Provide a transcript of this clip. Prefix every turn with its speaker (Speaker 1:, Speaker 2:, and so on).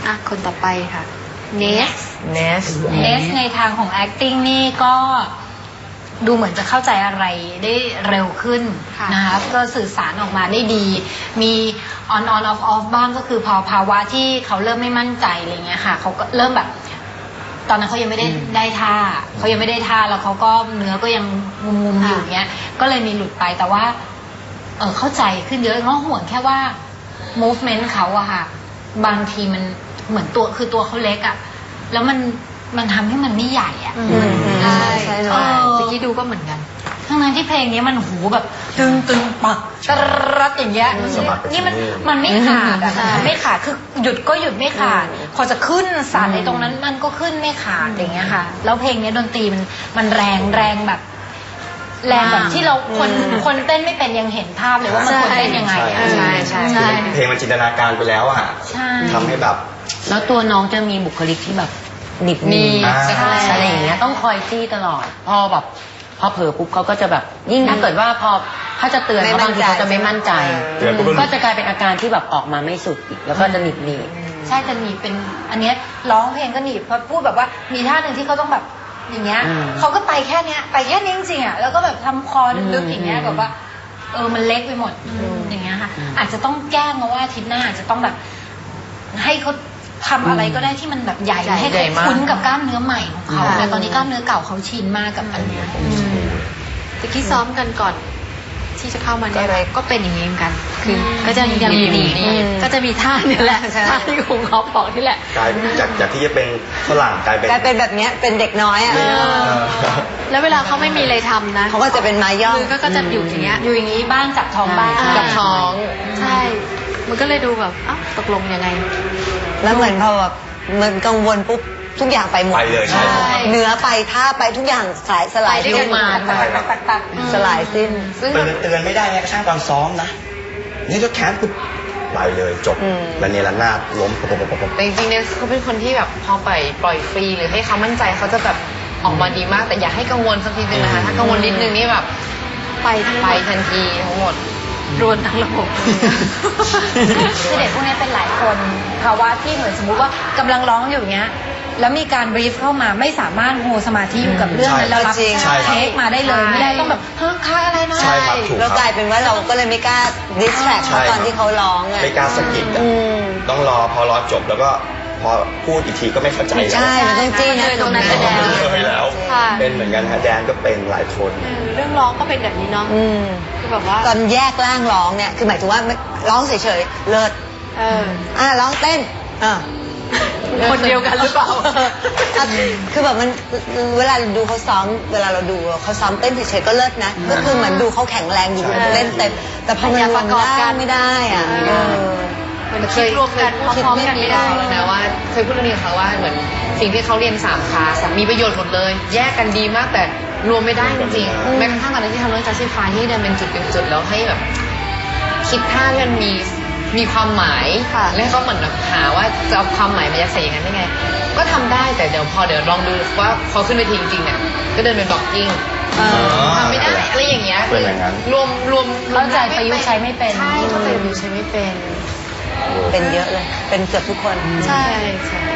Speaker 1: คนต่อไปค่ะเนส
Speaker 2: ในทางของ acting นี่ก็ดูเหมือนจะเข้าใจอะไรได้เร็วขึ้นนะคะก็สื่อสารออกมาได้ดีมี on off บ้างก็คือพอภาวะที่เขาเริ่มไม่มั่นใจอะไรเงี้ยค่ะเขาก็เริ่มแบบตอนนั้นเขายังไม่ได้ท่าแล้วเขาก็เนื้อก็ยังงุมๆอยู่เงี้ยก็เลยมีหลุดไปแต่ว่าเข้าใจขึ้นเยอะง้อห่วงแค่ว่า movement เขาอะค่ะบางทีมันเหมือนตัวเขาเล็กอะแล้วมันทำให้มันไม่ใหญ่อะ
Speaker 1: ใช่ตะกี้ดูก็เหมือนกัน
Speaker 2: ทั้งนั้นที่เพลงนี้มันหูแบบตึงปักตรัดอย่างเงี้ยนี่มันไม่ขาดอะมันไม่ขาดคือหยุดก็หยุดไม่ขาดพอจะขึ้นสารในตรงนั้นมันก็ขึ้นไม่ขาดอย่างเงี้ยค่ะแล้วเพลงนี้ดนตรีมันแรงแบบที่เราคนเต้นไม่เป็นยังเห็นภาพเลยว่ามันควรเต้นยังไงใช่
Speaker 3: เพลงมันจินตนาการไปแล้วอะทำให้แบบ
Speaker 4: แล้วตัวน้องจะมีบุคลิกที่แบบหนิบมีอะไรอย่างเงี้ยต้องคอยจี้ตลอดพอเผลอปุ๊บเขาก็จะแบบยิ่งถ้าเกิดว่าถ้าจะเตือนเขาบางทีเขาจะไม่มั่นใจก็จะกลายเป็นอาการที่แบบออกมาไม่สุดอีกแล้วก็จะหนิบ
Speaker 2: ใช่จะหนีเป็นอันเนี้ยร้องเพลงก็หนีพอพูดแบบว่ามีท่าหนึ่งที่เขาต้องแบบอย่างเงี้ยเขาก็ไปแค่เนี้ยจริงๆอ่ะแล้วก็แบบทำคอลึกๆอย่างเงี้ยแบบว่ามันเล็กไปหมดอย่างเงี้ยค่ะอาจจะต้องแก้มาว่าอาทิตย์หน้าอาจจะต้องแบบให้เขาทำอะไรก็ได้ที่มันแบบใหญ่ให้เขาคุ้นกับกล้ามเนื้อใหม่ของเขาแต่ตอนนี้กล้ามเนื้อเก่าเขาชินมากกับอันเนี้ย
Speaker 1: ตะกี้ซ้อมกันก่อนที่จะเข้ามาเนี่ยก็เป็นอย่างนี้เหมือนกันคือก็จะยังหนีก็จะมีท่านี่แหละท่าที่คุณเขาบอกนี่แหละ
Speaker 3: กลายจากที่จะเป็นฝรั่งกลาย
Speaker 5: เป็นแบบเนี้ยเป็นเด็กน้อยอ่ะ
Speaker 1: แล้วเวลาเขาไม่มีอะไรทำนะ
Speaker 5: เขาก็จะเป็นไม้ย่อ
Speaker 1: ก็จะอยู่อย่างเงี้ย
Speaker 2: อยู่อย่างนี้บ้างจับท้องบ้าง
Speaker 1: จับท้องใช่มันก็เลยดูแบบตกลงยังไง
Speaker 5: แล้วเหมือนพอแบบมันกังวลปุ๊บทุกอย่างไปหมด
Speaker 3: ไปเลยใช่
Speaker 5: เนื้อไปท่าไปทุกอย่างสลาย
Speaker 1: ด้วยกันมา
Speaker 5: สลายสิ้น
Speaker 3: เตือนไม่ได้ไงกระช่างตอนซ้อมนะนี่ก็แค้นปุ๊บไปเลยจบแล้วเนี่ยละนาดล้ม
Speaker 6: แต่จริงๆเนี่ยเขาเป็นคนที่แบบพอปล่อยฟรีหรือให้เขามั่นใจเขาจะแบบออกมาดีมากแต่อย่าให้กังวลสักทีนึงนะคะถ้ากังวลนิดนึงนี่แบบไปทันทีทั้งหมด
Speaker 1: รวนทั้งระบบ
Speaker 2: คือเด็กพวกนี้เป็นหลายคนภาวะที่เหมือนสมมุติว่ากำลังร้องอยู่เงี้ยแล้วมีการบรีฟเข้ามาไม่สามารถโฮสมาธิอยู่กับเรื่องนั้นแล้วรับเทคมาได้เลยไม่ได้ต้องแบบค่าอะไรนะ
Speaker 5: แล้วกลายเป็นว่าเราก็เลยไม่กล้าดิสแทรกตอนที่เขาร้อง
Speaker 3: ไม่กล้าสะกิดต้องรอพอร้องจบแล้วก็พอพูดอีกทีก็ไม่เข้าใจแล้ว
Speaker 5: ใช่มันต้องจี้นะ
Speaker 1: ตรงนั้นเป็น
Speaker 3: แล้วเป็นเหมือนกันฮะแดนก็เป็นหลายคน
Speaker 1: เรื่องร้องก็เป็นแบบนี้เนาะคือแบบว่า
Speaker 5: ตอนแยกร่างร้องเนี่ยคือหมายถึงว่าร้องเฉยๆเลิศร้องเต้น
Speaker 1: คนเดียวกันหรือเปล่า
Speaker 5: คือแบบมันเวลาดูเขาซ้อมเวลาเราดูเขาซ้อมเต้นเฉยๆก็เลิศนะก็คือเหมือนดูเขาแข็งแรงอยู่เล่นเต็มแต่พอมันประกอบกันไม่ได้อ่ะ
Speaker 1: มันเคยรวมกันพร้อมกันไม่ได้
Speaker 6: แล้วนะว่าเคยพูดเรื่องนี้เขาว่าเหมือนสิ่งที่เขาเรียน3 คลาสมีประโยชน์หมดเลยแยกกันดีมากแต่รวมไม่ได้จริงๆแม้กระทั่งตอนนั้นที่ทำเรื่องจัสติฟายที่เดินเป็นจุดแล้วให้แบบคิดท่ามันมีความหมายแล้วก็เหมือนแบบหาว่าจะเอาความหมายมายัดใส่อย่างนั้นได้ไงก็ทำได้แต่เดี๋ยวลองดูว่าพอขึ้นไปทีจริงๆเนี่ยก็เดินเป็นบล็อกกิ้งทำไม่ได้อะไรอย่างเงี้ยรวม
Speaker 2: เข้าใจประยุกต์ใช้ไม่เป็น
Speaker 6: เข้าใจประยุกต์ใช้ไม่เป็น
Speaker 5: เยอะเลยเป็นเกือบทุกคน
Speaker 1: ใช่